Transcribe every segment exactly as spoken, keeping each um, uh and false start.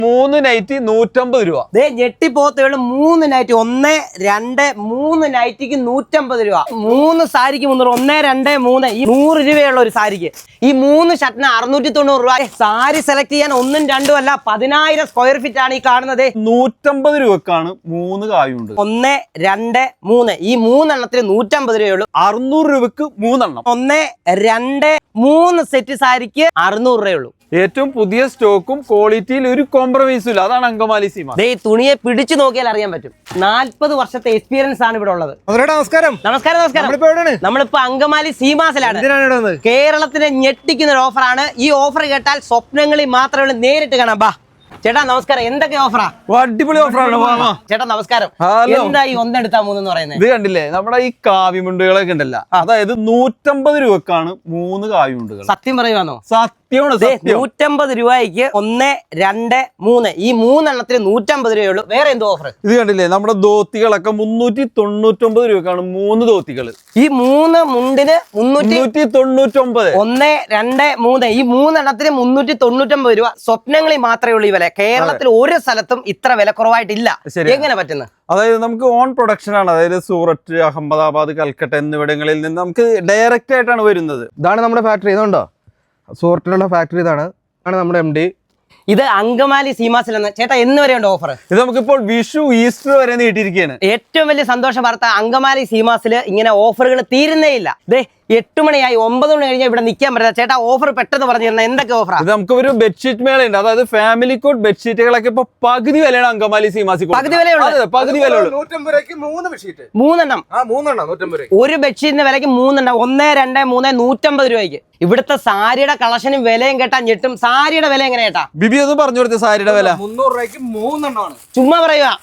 മൂന്ന് നൈറ്റി നൂറ്റമ്പത് രൂപ. ദേ ഞെട്ടിപ്പോത്തുകൾ മൂന്ന് നൈറ്റി ഒന്ന് രണ്ട് മൂന്ന് നൈറ്റിക്ക് നൂറ്റമ്പത് രൂപ. മൂന്ന് സാരിക്ക് മുന്നൂറ് ഒന്ന് രണ്ട് മൂന്ന് ഈ നൂറ് രൂപയുള്ള ഒരു സാരിക്ക് ഈ മൂന്ന് ഷർട്ടിന് അറുന്നൂറ്റി തൊണ്ണൂറ് രൂപ. സാരി സെലക്ട് ചെയ്യാൻ ഒന്നും രണ്ടും അല്ല പതിനായിരം സ്ക്വയർ ഫീറ്റ് ആണ് ഈ കാണുന്നത്. നൂറ്റമ്പത് രൂപക്കാണ് മൂന്ന് കായുണ്ട്. ഒന്ന് രണ്ട് മൂന്ന് ഈ മൂന്നെണ്ണത്തിന് നൂറ്റമ്പത് രൂപയുള്ളൂ. അറുന്നൂറ് രൂപക്ക് മൂന്നെണ്ണം. ഒന്ന് രണ്ട് മൂന്ന് സെറ്റ് സാരിക്ക് അറുന്നൂറ് രൂപയുള്ളൂ. ഏറ്റവും പുതിയ സ്റ്റോക്കും ക്വാളിറ്റിയിൽ ഒരു കോംപ്രമൈസും ഇല്ല. അതാണ് അങ്കമാലി സീമ. ഈ തുണിയെ പിടിച്ചു നോക്കിയാൽ അറിയാൻ പറ്റും. നാല്പത് വർഷത്തെ എക്സ്പീരിയൻസ് ആണ് ഇവിടെ ഉള്ളത്. നമസ്കാരം നമസ്കാരം നമസ്കാരം നമ്മളിപ്പോ അങ്കമാലി സീമാസിലാണ്. കേരളത്തിനെ ഞെട്ടിക്കുന്ന ഒരു ഓഫറാണ്. ഈ ഓഫർ കേട്ടാൽ സ്വപ്നങ്ങളിൽ മാത്രമേ നേരിട്ട് കാണാം. ബാ ചേട്ടാ നമസ്കാരം. എന്തൊക്കെ ഓഫറാ? അടിപൊളി ഓഫറാണ് ചേട്ടാ നമസ്കാരം. എന്താ ഈ ഒന്നെടുത്താ മൂന്ന് പറയുന്നത്? ഇത് കണ്ടില്ലേ നമ്മുടെ ഈ കാവിമുണ്ടുകളൊക്കെ ഉണ്ടല്ല, അതായത് നൂറ്റമ്പത് രൂപക്കാണ് മൂന്ന് കാവിമുണ്ടുകൾ. സത്യം പറയുവാണോ? സത്യമാണ്. നൂറ്റമ്പത് രൂപയ്ക്ക് ഒന്ന് രണ്ട് മൂന്ന് ഈ മൂന്നെണ്ണത്തിന് നൂറ്റമ്പത് രൂപയുള്ളൂ. വേറെ എന്തോ ഓഫർ? ഇത് കണ്ടില്ലേ നമ്മുടെ ധോത്തികളൊക്കെ മുന്നൂറ്റി തൊണ്ണൂറ്റൊമ്പത് രൂപക്കാണ് മൂന്ന് ധോത്തികൾ. ഈ മൂന്ന് മുണ്ടിന് മുന്നൂറ്റി തൊണ്ണൂറ്റൊമ്പത്. ഒന്ന് രണ്ട് മൂന്ന് ഈ മൂന്നെണ്ണത്തിന് മുന്നൂറ്റി തൊണ്ണൂറ്റൊമ്പത് രൂപ. സ്വപ്നങ്ങളിൽ മാത്രമേ ഉള്ളൂ ഈ വില. കേരളത്തിൽ ഒരു സ്ഥലത്തും ഇത്ര വില കുറവായിട്ടില്ല. എങ്ങനെ പറ്റുന്നത്? അതായത് നമുക്ക് ഓൺ പ്രൊഡക്ഷൻ ആണ്. അതായത് സൂററ്റ്, അഹമ്മദാബാദ്, കൽക്കട്ട എന്നിവിടങ്ങളിൽ നിന്ന് നമുക്ക് ഡയറക്റ്റ് ആയിട്ടാണ് വരുന്നത്. ഇതാണ് നമ്മുടെ ഫാക്ടറി. ഇതുണ്ടോ സൂററ്റിലുള്ള ഫാക്ടറി. ഇതാണ് ആണ് നമ്മുടെ എം ഡി. ഇത് അങ്കമാലി സീമാസിൽ നിന്ന്. ചേട്ടാ എന്ന് വരെയുണ്ട് ഓഫർ? ഇത് നമുക്കിപ്പോൾ വിഷു ഈസ്റ്റർ വരെ നീട്ടിയിരിക്കുകയാണ്. ഏറ്റവും വലിയ സന്തോഷ വാർത്ത, അങ്കമാലി സീമാസിൽ ഇങ്ങനെ ഓഫറുകൾ തീരുന്നേ ഇല്ല. ദേ എട്ട് മണിയായി ഒമ്പത് മണി കഴിഞ്ഞാൽ ഇവിടെ നിൽക്കാൻ പറ്റില്ല. ചേട്ടാ ഓഫർ പെട്ടെന്ന് പറഞ്ഞു തരുന്നത് എന്തൊക്കെ ഓഫറാണ്? ഇത് നമുക്ക് ഒരു ബെഡ്ഷീറ്റ് മേളയുണ്ട്. അതായത് ഫാമിലി കോട്ട് ബെഡ്ഷീറ്റുകളൊക്കെ ഇപ്പൊ പകുതി വിലയാണ് അങ്കമാലി സീമാസി. പകുതി വിലയുള്ളൂ. പകുതി വിലയുള്ളൂ. മൂന്നെണ്ണം. ഒരു ബെഡ്ഷീറ്റിന്റെ വിലക്ക് മൂന്നെണ്ണം. ഒന്ന് രണ്ട് മൂന്ന് നൂറ്റമ്പത് രൂപയ്ക്ക്. ഇവിടുത്തെ സാരിയുടെ കളക്ഷനും വിലയും കേട്ടാ ഞെട്ടും. സാരിയുടെ വില എങ്ങനെ കേട്ടാ ബിബി ഒന്ന് പറഞ്ഞു കൊടുത്ത സാരിയുടെ വില? മുന്നൂറ് രൂപയ്ക്ക് മൂന്നെണ്ണമാണ്. ചുമ്മാ പറയുക.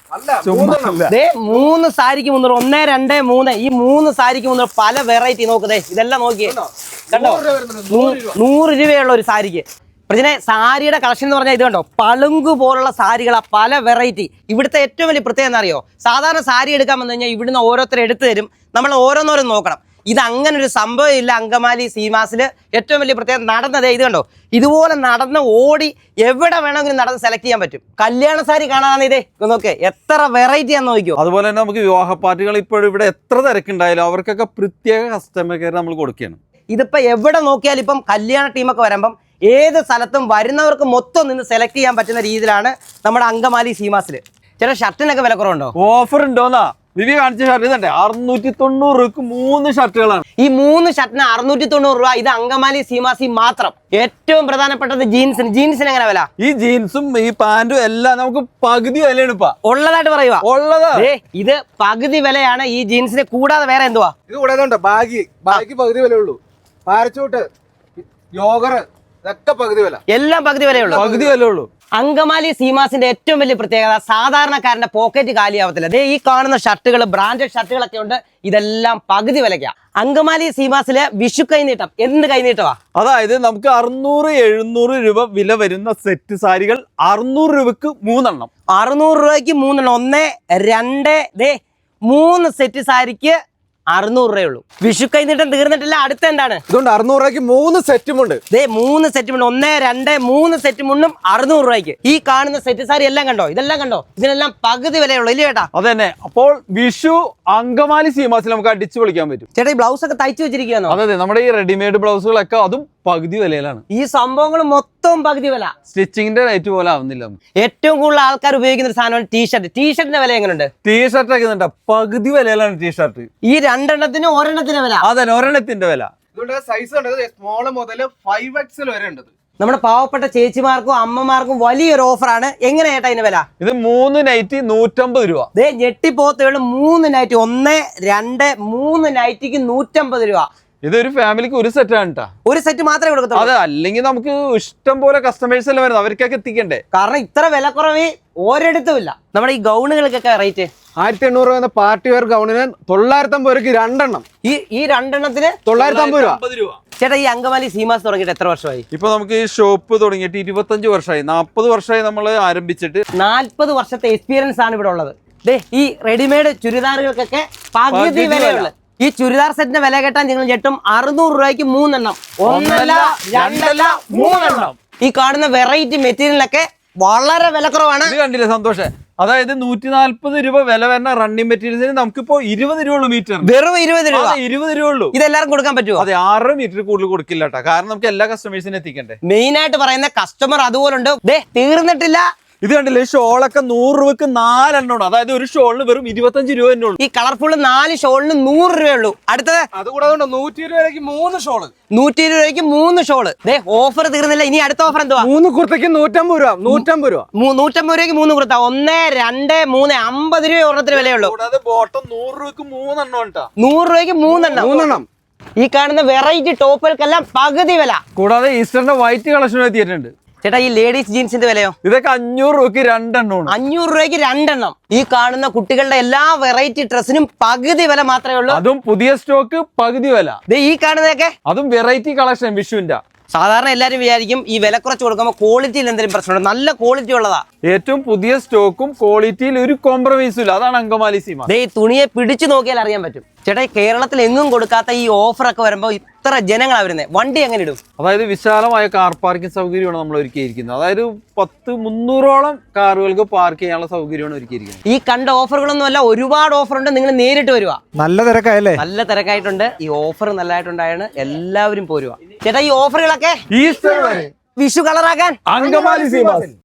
മൂന്ന് സാരിക്ക് മുന്നൂറ്. ഒന്ന് രണ്ട് മൂന്ന് ഈ മൂന്ന് സാരിക്ക് മുന്നൂറ്. പല വെറൈറ്റി നോക്കുന്നേ. ഇതെല്ലാം നോക്കിയേ കണ്ടോ. നൂറ് രൂപയുള്ള ഒരു സാരിക്ക്. പ്രജനെ സാരിയുടെ കളക്ഷൻ എന്ന് പറഞ്ഞാൽ ഇത് കണ്ടോ, പളുങ്കു പോലുള്ള സാരികളാ, പല വെറൈറ്റി. ഇവിടുത്തെ ഏറ്റവും വലിയ പ്രത്യേകത എന്താ അറിയോ? സാധാരണ സാരി എടുക്കാൻ വന്നു കഴിഞ്ഞാൽ ഇവിടുന്ന് ഓരോരുത്തർ എടുത്തു തരും, നമ്മൾ ഓരോന്നോരോന്ന് നോക്കണം. ഇത് അങ്ങനെ ഒരു സംഭവം ഇല്ല. അങ്കമാലി സീമാസിൽ ഏറ്റവും വലിയ പ്രത്യേകത നടന്നതേ ഇത് കണ്ടോ, ഇതുപോലെ നടന്ന് ഓടി എവിടെ വേണമെങ്കിലും നടന്ന് സെലക്ട് ചെയ്യാൻ പറ്റും. കല്യാണ സാരി കാണാനാണ് ഇതേ നോക്കേ, എത്ര വെറൈറ്റി ആണെന്ന് നോക്കിയോ. അതുപോലെ തന്നെ നമുക്ക് വിവാഹ പാർട്ടികൾ ഇപ്പോഴും ഇവിടെ എത്ര തിരക്കുണ്ടായാലും അവർക്കൊക്കെ പ്രത്യേക കസ്റ്റമർ കെയർ നമ്മൾ കൊടുക്കുകയാണ്. ഇതിപ്പോ എവിടെ നോക്കിയാലും ഇപ്പം കല്യാണ ടീമൊക്കെ വരുമ്പം ഏത് സ്ഥലത്തും വരുന്നവർക്ക് മൊത്തം നിന്ന് സെലക്ട് ചെയ്യാൻ പറ്റുന്ന രീതിയിലാണ് നമ്മുടെ അങ്കമാലി സീമാസിൽ. ചില ഷർട്ടിനൊക്കെ വില കുറവുണ്ടോ? ഓഫർ ഉണ്ടോന്നാ വിവി കാണിച്ച ഷർട്ട് ഇതല്ലേ, അറുന്നൂറ്റി തൊണ്ണൂറ് രൂപക്ക് മൂന്ന് ഷർട്ടുകളാണ്. ഈ മൂന്ന് ഷർട്ടിന് അറുന്നൂറ്റി തൊണ്ണൂറ് രൂപ. ഇത് അങ്കമാലി സീമാസി മാത്രം. ഏറ്റവും പ്രധാനപ്പെട്ടത് ജീൻസിന്. ജീൻസിന് എങ്ങനെ വില? ഈ ജീൻസും ഈ പാന്റും എല്ലാം നമുക്ക് പകുതി വിലയാണ് ഇപ്പൊ ഉള്ളതായിട്ട് പറയുക. ഉള്ളതാ ഇത് പകുതി വിലയാണ് ഈ ജീൻസിന്. കൂടാതെ വേറെ എന്തുവാ? ഇത് കൂടാതെ ബാഗി ബാഗി പകുതി വിലയുള്ളൂ. പാരച്ചൂട്ട്, യോഗർ ഇതൊക്കെ പകുതി വില. എല്ലാം പകുതി വിലയുള്ളൂ. പകുതി വിലയുള്ളൂ. അങ്കമാലി സീമാസിന്റെ ഏറ്റവും വലിയ പ്രത്യേകത, സാധാരണക്കാരന്റെ പോക്കറ്റ് കാലിയാവത്തില്ല. ദേ ഈ കാണുന്ന ഷർട്ടുകൾ, ബ്രാൻഡഡ് ഷർട്ടുകളൊക്കെ ഉണ്ട്. ഇതെല്ലാം പകുതി വിലയ്ക്കാ. അങ്കമാലി സീമാസിലെ വിഷു കൈനീട്ടം. എന്ത് കൈനീട്ടമാ? അതായത് നമുക്ക് അറുന്നൂറ് എഴുന്നൂറ് രൂപ വില വരുന്ന സെറ്റ് സാരികൾ അറുന്നൂറ് രൂപക്ക് മൂന്നെണ്ണം. അറുന്നൂറ് രൂപയ്ക്ക് മൂന്നെണ്ണം. ഒന്ന് രണ്ട് ദേ മൂന്ന് സെറ്റ് സാരിക്ക് അറുന്നൂറ് രൂപയുള്ളൂ. വിഷു കൈനീട്ടം തീർന്നിട്ടില്ല. അടുത്ത എന്താണ്? ഇതുകൊണ്ട് അറുന്നൂറ് രൂപയ്ക്ക് മൂന്ന് സെറ്റ് മുണ്ട്. ദേ മൂന്ന് സെറ്റ് മുണ്ട്. ഒന്ന് രണ്ട് മൂന്ന് സെറ്റ് മുണ്ടും അറുന്നൂറ് രൂപയ്ക്ക്. ഈ കാണുന്ന സെറ്റ് സാരി എല്ലാം കണ്ടോ, ഇതെല്ലാം കണ്ടോ, ഇതിനെല്ലാം പകുതി വിലയുള്ളൂ. ഇല്ലേ ചേട്ടാ? അത് തന്നെ. അപ്പോൾ വിഷു അങ്കമാലി സീമാസിൽ നമുക്ക് അടിച്ചു പൊളിക്കാൻ പറ്റും. ചേട്ടാ ഈ ബ്ലൗസ് ഒക്കെ തയ്ച്ചു വെച്ചിരിക്കുകയാണോ? അതെ, നമ്മുടെ ഈ റെഡിമെയ്ഡ് ബ്ലൗസുകളൊക്കെ അതും പകുതി വിലയിലാണ്. ഈ സംഭവങ്ങൾ മൊത്തം പകുതി വില. സ്റ്റിച്ചിങ്ങിന്റെ റേറ്റ് പോലെ ആവുന്നില്ല. ഏറ്റവും കൂടുതൽ ആൾക്കാർ ഉപയോഗിക്കുന്ന ഒരു സാധനമാണ് ടീഷർട്ട്. ടീഷർട്ടിന്റെ വില എങ്ങനെയുണ്ട്? ടീഷർട്ട് ഒക്കെ പകുതി വിലയിലാണ് ടീഷർട്ട്. ഈ രണ്ടെണ്ണത്തിന് ഒരെണ്ണത്തിന്റെ വില. അതെ, ഒരെണ്ണത്തിന്റെ വില. സൈസ് സ്മോൾ മുതൽ ഫൈവ് എക്സൽ വരെ ഉണ്ട്. നമ്മുടെ പാവപ്പെട്ട ചേച്ചിമാർക്കും അമ്മമാർക്കും വലിയൊരു ഓഫറാണ്. എങ്ങനെ ചേട്ടാ ഇതിന്റെ വില? ഇത് മൂന്ന് നൈറ്റി നൂറ്റമ്പത് രൂപ. ദേ ഞെട്ടിപ്പോത്തുകളും മൂന്ന് നൈറ്റി. ഒന്ന് രണ്ട് മൂന്ന് നൈറ്റിക്ക് നൂറ്റമ്പത് രൂപ. ഇതൊരു ഫാമിലിക്ക് ഒരു സെറ്റ് ആണ് കേട്ടോ. ഒരു സെറ്റ് മാത്രമേ കൊടുക്കത്തുള്ളൂ. അതെ, അല്ലെങ്കിൽ നമുക്ക് ഇഷ്ടം പോലെ കസ്റ്റമേഴ്സ് എല്ലാം വരുന്നത്, അവർക്കൊക്കെ എത്തിക്കണ്ടേ. കാരണം ഇത്ര വില കുറവ് ഒരിടത്തും ഇല്ല. നമ്മുടെ ഈ ഗൗണുകൾക്കൊക്കെ റേറ്റ് ആയിരത്തി എണ്ണൂറ് രൂപ പാർട്ടി വെയർ ഗൗണിന് തൊള്ളായിരത്തി അമ്പത് രൂപയ്ക്ക് രണ്ടെണ്ണം. ഈ ഈ രണ്ടെണ്ണത്തിന് തൊള്ളായിരത്തി അമ്പത് രൂപ. ചേട്ടാ ഈ അങ്കമാലി സീമാസ് തുടങ്ങിയിട്ട് എത്ര വർഷമായി? ഇപ്പൊ നമുക്ക് ഈ ഷോപ്പ് തുടങ്ങിയിട്ട് ഇരുപത്തഞ്ച് വർഷമായി. നാപ്പത് വർഷമായി നമ്മൾ ആരംഭിച്ചിട്ട്. നാല്പത് വർഷത്തെ എക്സ്പീരിയൻസ് ആണ് ഇവിടെ ഉള്ളത്. ദേ ഈ റെഡിമെയ്ഡ് ചുരിദാറുകൾക്കൊക്കെ പകുതി വിലയുള്ളു. ഈ ചുരിദാർ സെറ്റിന്റെ വില കേട്ടാൽ നിങ്ങൾ ഞെട്ടും. അറുന്നൂറ് രൂപയ്ക്ക് മൂന്നെണ്ണം. ഒന്നല്ല രണ്ടല്ല മൂന്നെണ്ണം. ഈ കാണുന്ന വെറൈറ്റി മെറ്റീരിയലൊക്കെ വളരെ വിലക്കുറവാണ്. ഇത് കണ്ടില്ലേ സന്തോഷം, അതായത് നൂറ്റി നാല്പത് രൂപ വില വരുന്ന റണ്ണിങ് മെറ്റീരിയൽസിന് നമുക്കിപ്പോ ഇരുപത് രൂപ ഉള്ളൂ മീറ്റർ, വെറും ഇരുപത് രൂപ. ഇരുപത് രൂപ ഉള്ളൂ. ഇതെല്ലാവർക്കും കൊടുക്കാൻ പറ്റുമോ? അതെ, ആറ് മീറ്റർ കൂടുതൽ കൊടുക്കില്ല കേട്ടോ, കാരണം നമുക്ക് എല്ലാ കസ്റ്റമേഴ്സിനും എത്തിക്കണ്ടേ. മെയിൻ ആയിട്ട് പറയുന്ന കസ്റ്റമർ അതുപോലുണ്ട്. ദേ തീർന്നിട്ടില്ല. ഇത് കണ്ടില്ലേ, ഷോളൊക്കെ നൂറ് രൂപക്ക് നാലെണ്ണമാണ്, അതായത് ഒരു ഷോളിന് വെറും ഇരുപത്തഞ്ച് രൂപ തന്നെ ഉള്ളൂ. ഈ കളർഫുൾ നാല് ഷോളിന് നൂറ് രൂപയുള്ളൂ. അടുത്തത് അതുകൂടാതെ നൂറ്റി ഇരുപത് രൂപയ്ക്ക് മൂന്ന് ഷോള്, നൂറ്റി ഇരുപത് രൂപയ്ക്ക് മൂന്ന് ഷോള്. ദേ ഓഫർ തീർന്നില്ല, ഇനി അടുത്ത ഓഫർ എന്തുവാ? മൂന്ന് കുർത്തയ്ക്ക് നൂറ്റമ്പത് രൂപ, നൂറ്റമ്പത് രൂപ, മൂ- നൂറ്റമ്പത് രൂപയ്ക്ക് മൂന്ന് കുർത്ത. ഒന്ന് രണ്ട് മൂന്ന് അമ്പത് രൂപ ഒരെണ്ണത്തിന് വിലയുള്ളൂ. കൂടാതെ ബോട്ടം നൂറ് രൂപക്ക് മൂന്നെണ്ണം കേട്ടോ, നൂറ് രൂപയ്ക്ക് മൂന്നെണ്ണം. മൂന്നെണ്ണം. ഈ കാണുന്ന വെറൈറ്റി ടോപ്പുകൾക്കെല്ലാം പകുതി വില. കൂടാതെ ഈസ്റ്ററിന്റെ വൈറ്റ് കളക്ഷൻ എത്തിയിട്ടുണ്ട്. ചേട്ടാ ഈ ലേഡീസ് ജീൻസിന്റെ വിലയോ? ഇതൊക്കെ അഞ്ഞൂറ് രൂപക്ക് രണ്ടെണ്ണമാണ്. അഞ്ഞൂറ് രൂപയ്ക്ക് രണ്ടെണ്ണം. ഈ കാണുന്ന കുട്ടികളുടെ എല്ലാ വെറൈറ്റി ഡ്രസ്സിനും പകുതി വില മാത്രമേ ഉള്ളൂ. അതും പുതിയ സ്റ്റോക്ക് പകുതി വില. ദേ ഈ കാണുന്നതൊക്കെ അതും വെറൈറ്റി കളക്ഷൻ വിഷുവിന്റെ. സാധാരണ എല്ലാവരും വിചാരിക്കും ഈ വില കുറച്ച് കൊടുക്കുമ്പോൾ ക്വാളിറ്റിയിൽ എന്തെങ്കിലും പ്രശ്നമുണ്ട്. നല്ല ക്വാളിറ്റി ഉള്ളതാ. ഏറ്റവും പുതിയ സ്റ്റോക്കും ക്വാളിറ്റിയിൽ ഒരു കോംപ്രമൈസും ഇല്ല. അതാണ് അങ്കമാലി സീമ. ദേ ഈ തുണിയെ പിടിച്ചു നോക്കിയാൽ അറിയാൻ പറ്റും. ചേട്ടാ ഈ കേരളത്തിൽ എങ്ങും കൊടുക്കാത്ത ഈ ഓഫർ ഒക്കെ വരുമ്പോൾ ഇത്ര ജനങ്ങളാണ് വരുന്നത്. വണ്ടി എങ്ങനെ ഇടും? അതായത് വിശാലമായ കാർ പാർക്കിംഗ് സൗകര്യമാണ് നമ്മൾ ഒരുക്കിയിരിക്കുന്നത്. അതായത് പത്ത് മുന്നൂറോളം കാറുകൾക്ക് പാർക്ക് ചെയ്യാനുള്ള സൗകര്യമാണ് ഒരുക്കിയിരിക്കുന്നത്. ഈ കണ്ട ഓഫറുകളൊന്നും അല്ല, ഒരുപാട് ഓഫർ ഉണ്ട്. നിങ്ങൾ നേരിട്ട് വരുക. നല്ല തിരക്കായല്ലേ? നല്ല തിരക്കായിട്ടുണ്ട്. ഈ ഓഫർ നല്ലതായിട്ടുണ്ടായാണ്, എല്ലാവരും പോരുക. ചേട്ടാ ഈ ഓഫറുകളൊക്കെ ഈസ്റ്റർ വരെ വിഷു കളറാക്കാൻ അങ്കമാലി സീമാസ്.